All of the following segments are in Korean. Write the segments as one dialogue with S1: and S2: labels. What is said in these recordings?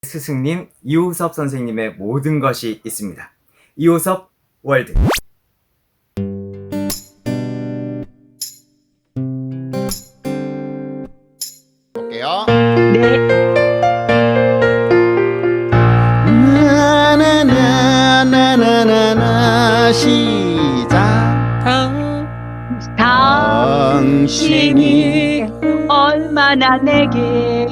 S1: 스승님 이호섭 선생님의 모든 것이 있습니다. 이호섭 월드.
S2: 볼게요.
S3: 네.
S2: 나나나나나나 시작.
S3: 당신이 얼마나 내게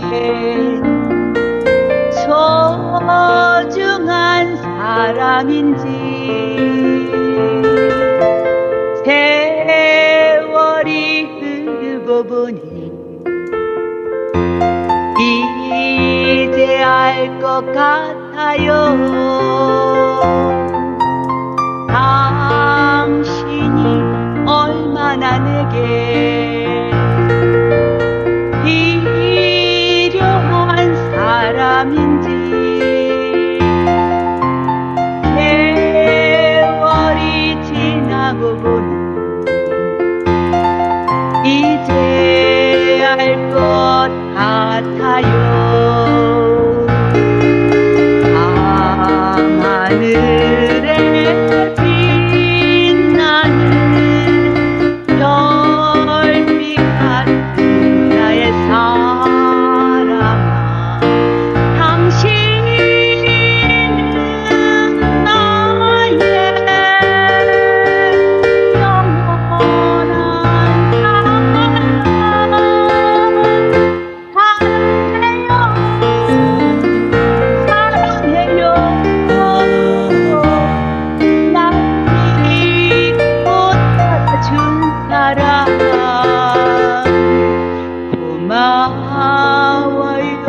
S3: 소중한 사람인지 세월이 흐르고 보니 이제 알 것 같아요. 당신이 얼마나 내게 필요한 사람인지 세월이 지나고 보니 이제 알 것 같아요. 밤하늘에 빛나는 별빛 같은 나의 사랑아, 당신은 나의 영원한 사랑해요. 날 믿고 따라준 사랑 고마워요.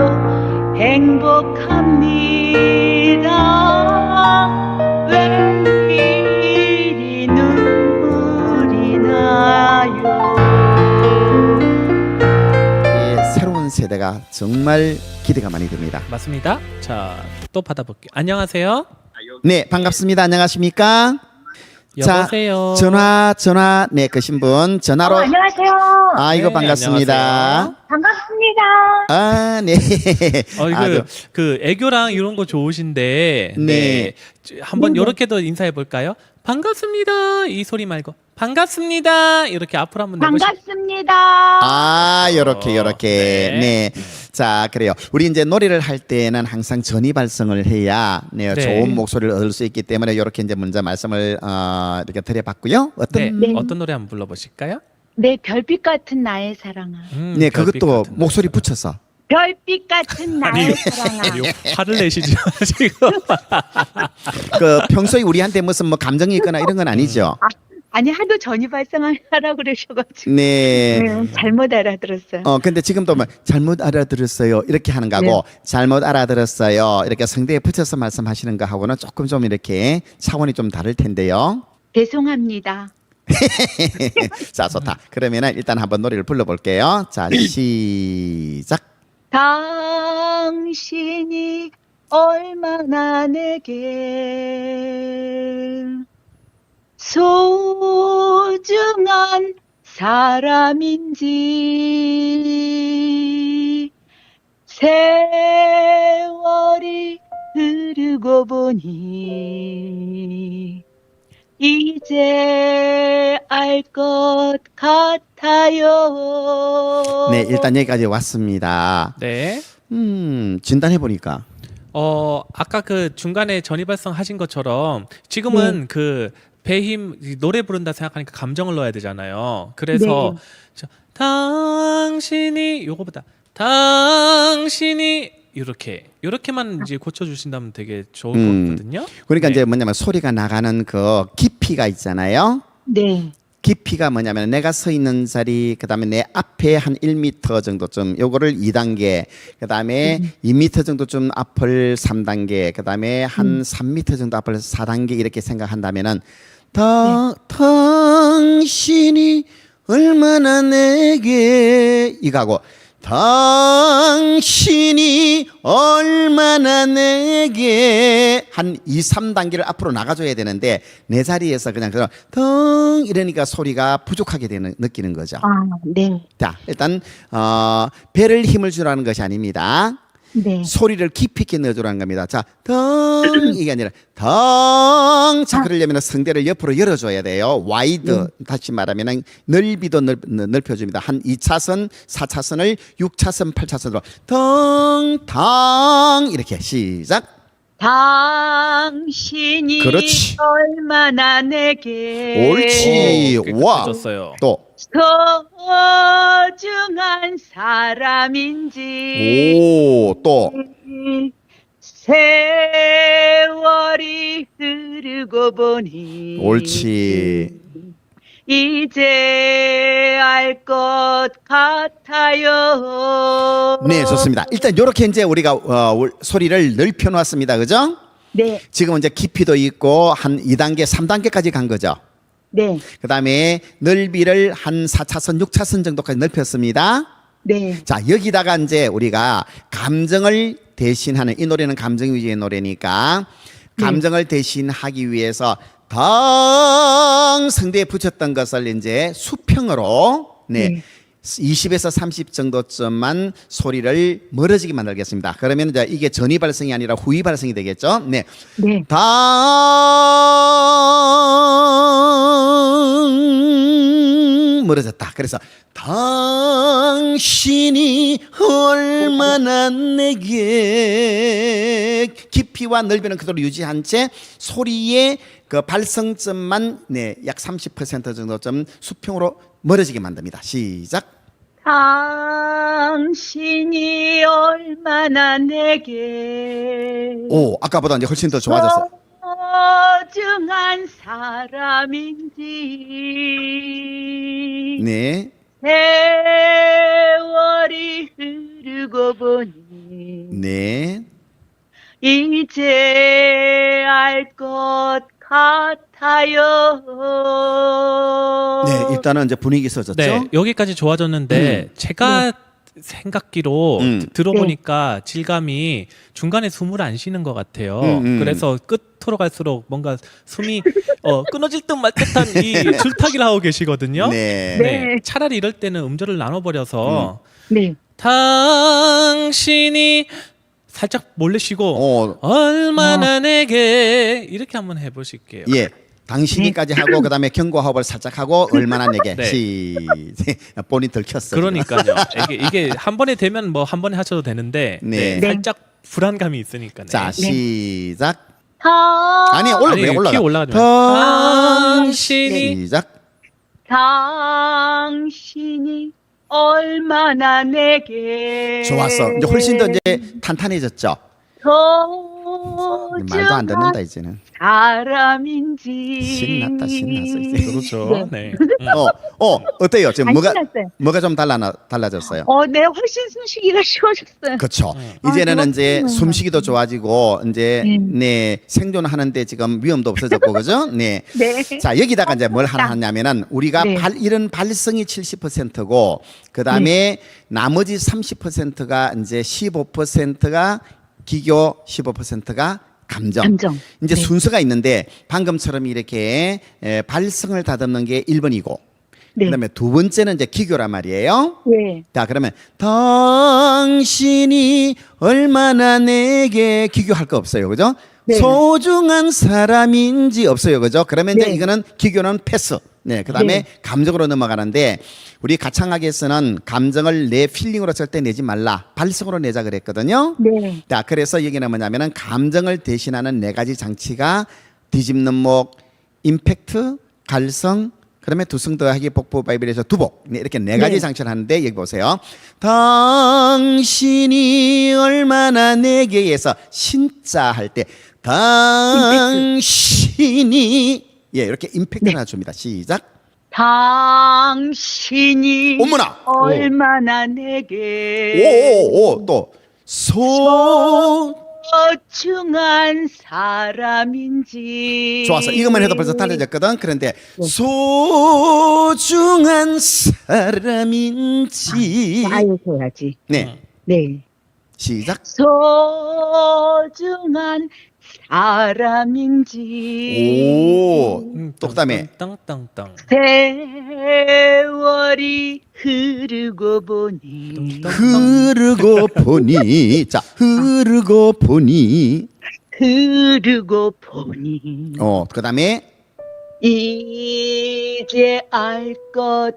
S3: 행복합니다. 웬일이 눈물이 나요.
S2: 새로운 세대가 정말 기대가 많이 됩니다.
S4: 맞습니다. 자, 또 받아볼게요. 안녕하세요.
S2: 네, 반갑습니다. 안녕하십니까?
S4: 여보세요.
S2: 자, 전화 네, 끄신 분 전화로.
S3: 안녕하세요.
S2: 아이고
S4: 네,
S2: 반갑습니다.
S4: 안녕하세요.
S3: 반갑습니다.
S2: 아, 네.
S4: 이거 그 애교랑 이런 거 좋으신데,
S2: 네.
S4: 한번 요렇게도 인사해 볼까요? 반갑습니다. 이 소리 말고 반갑습니다. 이렇게 앞으로 한번 내보시.
S3: 반갑습니다.
S2: 요렇게
S4: 네.
S2: 네. 자, 그래요. 우리 이제 노래를 할 때는 항상 전이 발성을 해야
S4: 네.
S2: 좋은 목소리를 얻을 수 있기 때문에 요렇게 이제 먼저 말씀을 이렇게 드려봤고요. 어떤
S4: 네. 어떤 노래 한번 불러보실까요?
S3: 네, 별빛 같은 나의 사랑아.
S2: 네,
S4: 별빛
S2: 그것도
S4: 같은
S2: 목소리
S4: 노래.
S2: 붙여서.
S3: 별빛 같은 나의 사랑아.
S4: 아니요, 화를 내시죠 지금.
S2: 그 평소에 우리한테 무슨 뭐 감정이 있거나 이런 건 아니죠.
S3: 아니 하도 전이 발성하라고 그러셔가지고
S2: 네.
S3: 잘못 알아들었어요.
S2: 근데 지금도 뭐 잘못 알아들었어요 이렇게 하는 거하고 잘못 알아들었어요 이렇게 성대에 붙여서 말씀하시는 거하고는 조금 좀 이렇게 차원이 좀 다를 텐데요.
S3: 죄송합니다.
S2: 자, 좋다. 그러면은 일단 한번 노래를 불러볼게요. 자, 시작.
S3: 당신이 얼마나 내게 소중한 사람인지 세월이 흐르고 보니 이제 알 것 같아요.
S2: 네, 일단 여기까지 왔습니다.
S4: 네.
S2: 진단해 보니까
S4: 아까 그 중간에 전이발성 하신 것처럼 지금은 그 배힘 노래 부른다 생각하니까 감정을 넣어야 되잖아요. 그래서 당신이 요거보다 당신이 이렇게만 이제 고쳐주신다면 되게 좋을 것 같거든요.
S2: 그러니까
S4: 네.
S2: 이제 뭐냐면 소리가 나가는 그 깊이가 있잖아요.
S3: 네.
S2: 깊이가 뭐냐면 내가 서 있는 자리 그다음에 내 앞에 한 1m 정도쯤 요거를 2단계 그다음에 2m 정도쯤 앞을 3단계 그다음에 한 3m 정도 앞을 4단계 이렇게 생각한다면은 당신이 얼마나 내게 이거하고 당신이 얼마나 내게 한 2, 3단계를 앞으로 나가줘야 되는데 내 자리에서 그냥 덩 이러니까 소리가 부족하게 되는 느끼는 거죠.
S3: 아, 네.
S2: 자, 일단 배를 힘을 주라는 것이 아닙니다.
S3: 네.
S2: 소리를 깊이 있게 넣어주라는 겁니다. 자, 덩 이게 아니라 덩. 자, 그러려면 성대를 옆으로 열어줘야 돼요. 와이드. 다시 말하면 넓이도 넓혀줍니다. 한 2차선, 4차선을 6차선, 8차선으로 덩, 덩 이렇게 시작.
S3: 당신이
S2: 그렇지.
S3: 얼마나 내게
S2: 옳지. 와.
S4: 깨끗해졌어요.
S2: 또.
S3: 소중한 사람인지
S2: 오, 또.
S3: 세월이 흐르고 보니
S2: 옳지.
S3: 이제 알 것 같아요.
S2: 네, 좋습니다. 일단 이렇게 이제 우리가 소리를 넓혀 놨습니다. 그죠?
S3: 네,
S2: 지금 이제 깊이도 있고 한 2단계, 3단계까지 간 거죠.
S3: 네,
S2: 그다음에 넓이를 한 4차선, 6차선 정도까지 넓혔습니다.
S3: 네,
S2: 자, 여기다가 이제 우리가 감정을 대신하는, 이 노래는 감정 위주의 노래니까 감정을 대신하기 위해서 덩 성대에 붙였던 것을 이제 수평으로
S3: 네.
S2: 20에서 30 정도쯤만 소리를 멀어지게 만들겠습니다. 그러면 이제 이게 전위 발성이 아니라 후위 발성이 되겠죠. 네.
S3: 네.
S2: 당 멀어졌다. 그래서 당신이 얼마나 내게 깊이와 넓이는 그대로 유지한 채 소리의 그 발성점만 약 30% 정도쯤 수평으로 멀어지게 만듭니다. 시작.
S3: 당신이 얼마나 내게
S2: 오, 아까보다 이제 훨씬 더 좋아졌어.
S3: 소중한 사람인지
S2: 네.
S3: 세월이 흐르고 보니
S2: 네.
S3: 이제 알 것 같아요.
S2: 네, 일단은 이제 분위기 써졌죠.
S4: 네, 여기까지 좋아졌는데 제가 생각기로 들어보니까 질감이 중간에 숨을 안 쉬는 것 같아요. 그래서 끝으로 갈수록 뭔가 숨이 끊어질 듯 말 듯한 이 줄타기를 하고 계시거든요.
S2: 네.
S3: 네.
S4: 차라리 이럴 때는 음절을 나눠버려서
S3: 네.
S4: 당신이 살짝 몰래 쉬고 얼마나 내게 이렇게 한번 해보실게요.
S2: 예. 당신이까지 하고 그다음에 경고호흡을 살짝 하고 얼마나 내게
S4: 네.
S2: 본인 들켰어.
S4: 그러니까요. 이게 한 번에 되면 뭐 한 번에 하셔도 되는데
S2: 네.
S4: 살짝 불안감이 있으니까.
S2: 자, 시작.
S3: 아니,
S2: 아니, 올라가.
S4: 키 올라가지
S2: 당신이
S4: 당신이
S2: 시작.
S3: 당신이 얼마나 내게
S2: 좋았어. 이제 훨씬 더 이제 탄탄해졌죠. 말도 안 듣는다 이제는.
S3: 사람인지
S2: 신났다, 신났어 이제.
S4: 그렇죠. 네.
S2: 어때요? 지금
S3: 안
S2: 뭐가
S3: 신났어요.
S2: 뭐가 좀 달라졌어요?
S3: 네, 훨씬 숨쉬기가 쉬워졌어요.
S2: 그렇죠. 이제는
S3: 아,
S2: 이제
S3: 그렇구나.
S2: 숨쉬기도 좋아지고 이제 생존하는데 지금 위험도 없어졌고 그죠? 네.
S3: 네.
S2: 자, 여기다가 이제 뭘 하나 하냐면은 우리가
S3: 네.
S2: 이런 발성이 70%고 그다음에 나머지 30%가 이제 15%가 기교, 15%가 감정. 이제
S3: 네.
S2: 순서가 있는데 방금처럼 이렇게 발성을 다듬는 게 1번이고
S3: 네.
S2: 그다음에 두 번째는 이제 기교란 말이에요.
S3: 네.
S2: 자, 그러면 당신이 얼마나 내게 기교할 거 없어요. 그죠?
S3: 네.
S2: 소중한 사람인지 없어요. 그죠? 그러면 이제
S3: 네.
S2: 이거는 기교는 패스. 네. 그다음에
S3: 네.
S2: 감정으로 넘어가는데 우리 가창학에서는 감정을 내 필링으로 절대 내지 말라. 발성으로 내자 그랬거든요.
S3: 네.
S2: 자, 그래서 여기는 뭐냐면은 감정을 대신하는 네 가지 장치가 뒤집는 목, 임팩트, 갈성, 그다음에 두성 더하기 복부 바이브레이션 두복. 네, 이렇게 네 가지
S3: 네.
S2: 장치를 하는데 여기 보세요. 당신이 얼마나 내게에서 신자 할 때 당신이 이렇게 임팩트를 하나 줍니다. 시작.
S3: 당신이
S2: 어머나.
S3: 얼마나 내게
S2: 오오오 또
S3: 소중한 사람인지
S2: 좋았어. 이것만 해도 벌써 달라졌거든. 그런데 소중한 사람인지
S3: 아유 해야지.
S2: 네.
S3: 네.
S2: 시작.
S3: 소중한 사람인지
S2: 오. 또 그다음에
S4: 땅땅땅.
S3: 세월이 흐르고 보니
S2: 흐르고 보니 자 흐르고 보니 그다음에
S3: 이제 알 것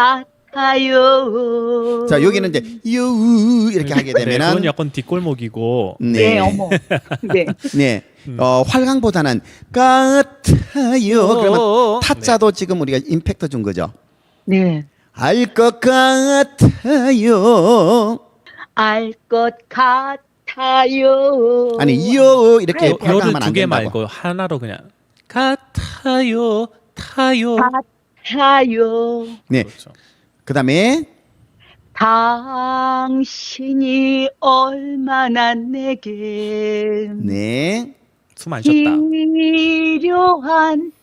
S3: 같아요.
S2: 자 여기는 이제 유 이렇게 하게
S4: 네, 그건
S2: 되면은
S4: 약간 뒷골목이고.
S3: 네, 어머. 네.
S2: 네. 활강보다는 같아요. 그러면 타짜도 지금 우리가 임팩트 준 거죠.
S3: 네.
S2: 알 것 같아요.
S3: 알 것 같아요.
S2: 아니 요 이렇게
S3: 네,
S2: 활강하면
S4: 요를
S2: 안
S4: 두 개
S2: 된다고.
S4: 말고 하나로 그냥 같아요, 타요.
S3: 같아요.
S2: 네.
S4: 그렇죠.
S2: 그다음에
S3: 당신이 얼마나 내게
S2: 네.
S4: 숨 안 쉬었다.
S3: 필요한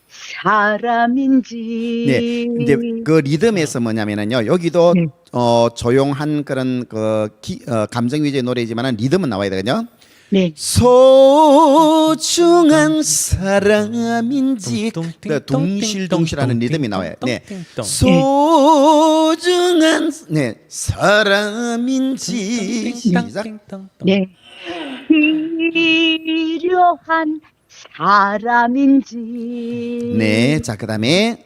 S3: 사람인지.
S2: 네. 이제 그 리듬에서 뭐냐면은요. 여기도
S3: 네.
S2: 조용한 그런 감정 위주의 노래이지만은 리듬은 나와야 되거든요.
S3: 네.
S2: 소중한 사람인지 둥실둥실하는 리듬이 나와요. 네. 소중한 네 사람인지 시작.
S3: 네. 필요한 사람인지.
S2: 네. 자 그다음에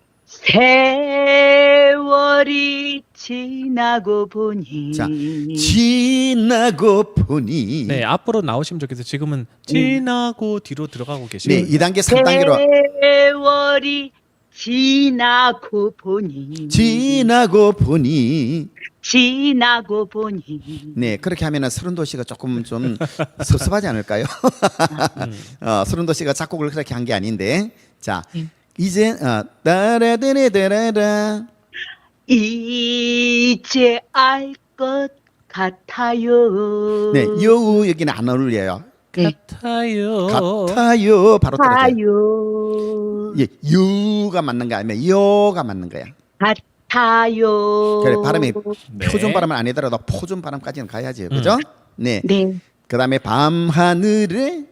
S3: 세월이 지나고 보니.
S2: 자 지나고 보니
S4: 네, 앞으로 나오시면 좋겠어요. 지금은 지나고 뒤로 들어가고 계시고.
S2: 네 2단계 3단계로
S3: 세월이 지나고 보니.
S2: 지나고 보니 네 그렇게 하면은 서른도시가 조금 좀 섭섭하지 않을까요? 서른도시가 작곡을 그렇게 한 게 아닌데 자 이제 따라따라따라라
S3: 이제 알 것 같아요.
S2: 네 여우 여기는 안 어울려요.
S3: 네.
S4: 같아요.
S2: 같아요 바로 떨어져요.
S3: 같아요.
S2: 예, 유가 맞는 거 아니면 요가 맞는 거야.
S3: 같아요.
S2: 그래 발음이
S4: 네.
S2: 표준 발음은 아니더라도 포준 발음까지는 가야지 그죠? 네.
S3: 네.
S2: 그다음에 밤 하늘에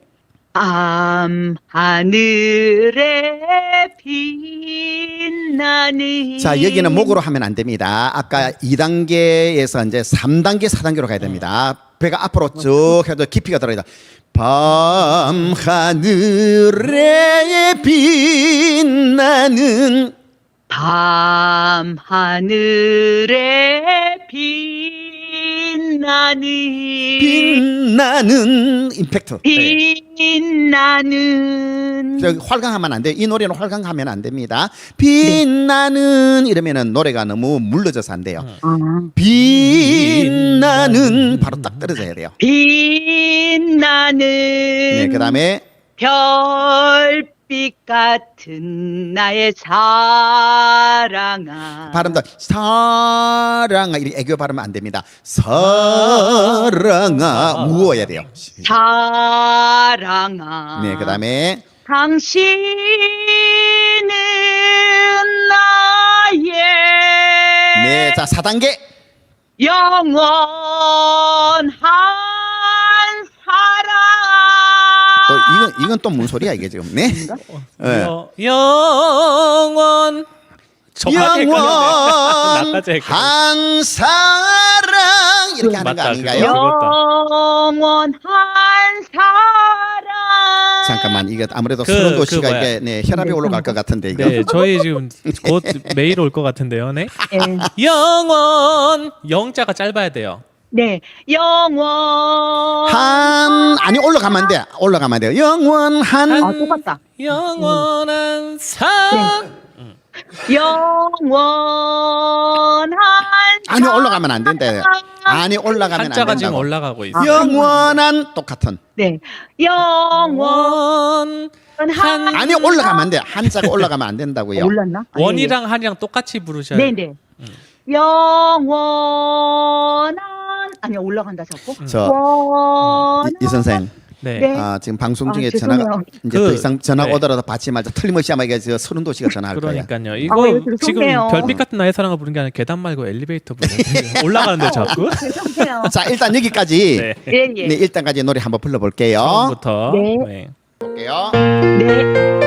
S3: 하늘에 빛나는.
S2: 자 여기는 목으로 하면 안 됩니다. 아까 2단계에서 이제 3단계 4단계로 가야 됩니다. 배가 앞으로 쭉 해도 깊이가 들어가야 돼. 밤 하늘에 빛나는
S3: 밤 하늘에 빛나는
S2: 임팩트.
S3: 빛나는.
S2: 저기 활강하면 안 돼요. 이 노래는 활강하면 안 됩니다. 빛나는 이러면은 노래가 너무 물러져서 안 돼요. 빛나는 바로 딱 떨어져야 돼요.
S3: 빛나는.
S2: 네, 그다음에
S3: 별빛 같은 나의 사랑아.
S2: 발음도 사랑아 이렇게 애교 발음은 안 됩니다. 사랑아 무어야 돼요.
S3: 사랑아.
S2: 네, 그다음에
S3: 당신은 나의
S2: 네, 자 4단계
S3: 영원한 사랑.
S2: 또 이건 또 뭔 소리야 이게 지금? 네. 네.
S4: 영원. 나까지 헷갈렸네.
S2: 한 사랑 이렇게 하는 거
S4: 맞다,
S2: 아닌가요?
S4: 그거.
S3: 영원한 사랑.
S2: 잠깐만 이게 아무래도
S4: 그
S2: 서른도 씨가
S4: 뭐야.
S2: 이게 네, 혈압이 올라갈 것 같은데 이거.
S4: 네, 저희 지금 곧 메일 올 것 같은데요. 네.
S3: 네.
S4: 영원. 영자가 짧아야 돼요.
S3: 네. 영원.
S2: 한 아니 올라가면 안 돼. 올라가면 안 돼요. 영원한
S3: 아, 똑같다.
S4: 영원한 사랑.
S3: 영원한.
S2: 아니 올라가면 안 된다. 아니 올라가면 안
S4: 한자가 지금
S2: 된다고.
S4: 올라가고 있어요.
S2: 영원한 똑같은.
S3: 네. 영원.
S4: 원. 한.
S2: 아니 올라가면 안 돼. 한자가 올라가면 안 된다고요.
S3: 올랐나? 아,
S4: 원이랑 한이랑 똑같이 부르셔야 돼요.
S3: 네네. 영원한. 아니 올라간다 자꾸.
S2: 저
S3: 원한.
S2: 이 선생
S4: 네.
S3: 네.
S2: 지금 방송 중에
S3: 죄송해요.
S2: 전화가 이제 더 이상 전화
S4: 네.
S2: 오더라도 받지 말자. 틀림없이 아마 이게 저 서른도 씨가 전화할 거예요.
S4: 그러니까요.
S3: 네,
S4: 이거 지금
S3: 죄송해요.
S4: 별빛 같은 나의 사랑을 부른 게 아니라 계단 말고 엘리베이터 부르는 올라가는데 자꾸.
S3: 죄송해요.
S2: 자, 일단 여기까지
S4: 네.
S3: 예, 예.
S2: 네, 일단까지 노래 한번 불러볼게요.
S4: 처음부터.
S3: 네.
S4: 네.
S2: 볼게요.
S3: 네.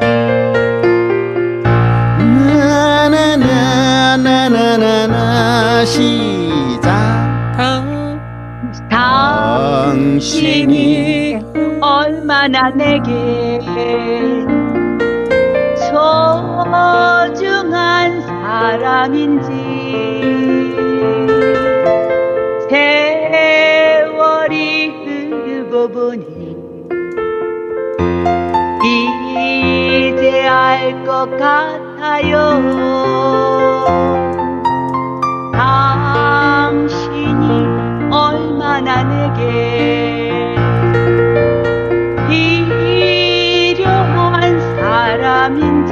S2: 나나나나나나나 시작.
S3: 당신이 얼마나 내게 소중한 사람인지 세월이 흐르고 보니 이제 알 것 같아요. 당신이 얼마나 내게 필요한 사람인지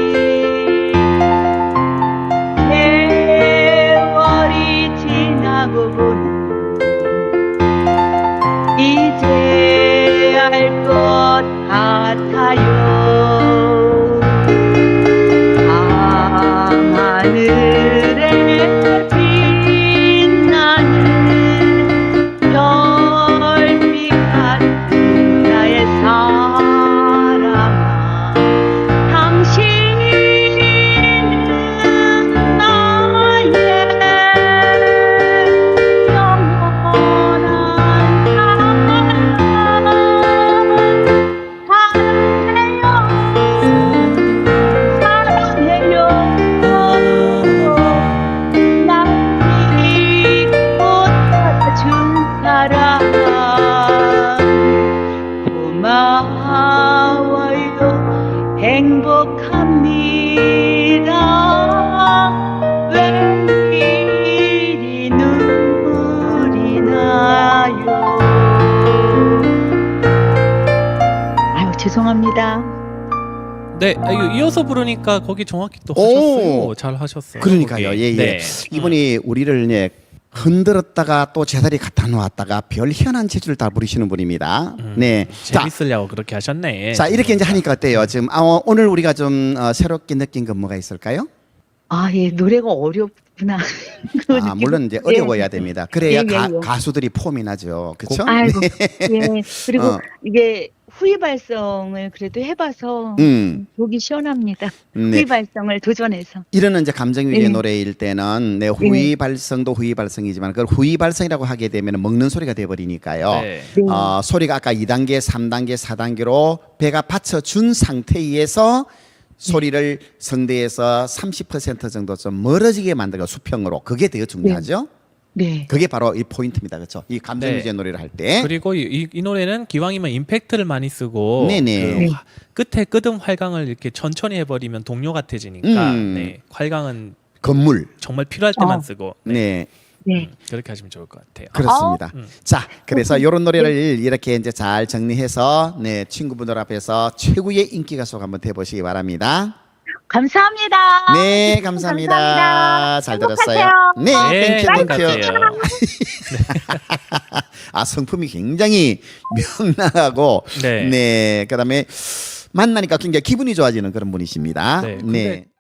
S3: 세월이 지나고 보니 이제 알 것 같아요. 밤하늘에 빛나는 별빛 같은 나의 사랑아, 당신은 나의 영원한 사랑해요. 날 믿고 찾아준 사람 고마워요. 행복합니다. 왜 이리 눈물이 나요. 아유, 죄송합니다.
S4: 네, 이거 이어서 부르니까 거기 정확히 또
S2: 오.
S4: 하셨어요. 잘 하셨어요.
S2: 그러니까요.
S4: 거기.
S2: 예, 예.
S4: 네.
S2: 이분이 우리를 흔들었다가 또 제자리 갖다 놓았다가 별 희한한 재주를 다 부리시는 분입니다. 네. 자,
S4: 재밌으려고 그렇게 하셨네.
S2: 자, 이렇게 이제 하니까 어때요? 지금 오늘 우리가 좀 새롭게 느낀 건 뭐가 있을까요?
S3: 아, 예, 노래가 어렵구나. 그 느낌.
S2: 물론 이제
S3: 예.
S2: 어려워야 됩니다. 그래야
S3: 예, 예, 예.
S2: 가수들이 폼이 나죠. 그렇죠?
S3: 아이고, 예. 그리고
S2: 어.
S3: 이게 후위 발성을 그래도 해봐서 속이 시원합니다.
S2: 네.
S3: 후위 발성을 도전해서.
S2: 이런 이제 감정 위의
S3: 예.
S2: 노래일 때는 네, 후위 발성도 후위 발성이지만 그걸 후위 발성이라고 하게 되면 먹는 소리가 돼 버리니까요.
S4: 네.
S3: 네.
S2: 소리가 아까 2단계, 3단계, 4단계로 배가 받쳐준 상태에서 소리를 성대에서 30% 정도 좀 멀어지게 만들고 수평으로 그게 되게 중요하죠.
S3: 네.
S2: 그게 바로 이 포인트입니다. 그렇죠? 이 감정
S4: 네.
S2: 위주의 노래를 할 때.
S4: 그리고 이 노래는 기왕이면 임팩트를 많이 쓰고
S2: 네네.
S4: 끝에 끄듬 활강을 이렇게 천천히 해버리면 동요 같아지니까
S2: 음.
S4: 네, 활강은
S2: 건물.
S4: 정말 필요할 때만 쓰고 네.
S2: 네.
S3: 네.
S4: 그렇게 하시면 좋을 것 같아요.
S2: 그렇습니다.
S4: 음.
S2: 자, 그래서 이런 노래를 이렇게 이제 잘 정리해서 네, 친구분들 앞에서 최고의 인기 가수가 한번 돼보시기 바랍니다.
S3: 감사합니다.
S2: 네, 감사합니다.
S3: 감사합니다.
S2: 잘 들었어요.
S3: 행복하세요.
S2: 네,
S4: 네,
S2: 땡큐, 땡큐.
S4: 행복하세요.
S2: 성품이 굉장히 명랑하고,
S4: 네.
S2: 네, 그다음에 만나니까 굉장히 기분이 좋아지는 그런 분이십니다.
S4: 네, 근데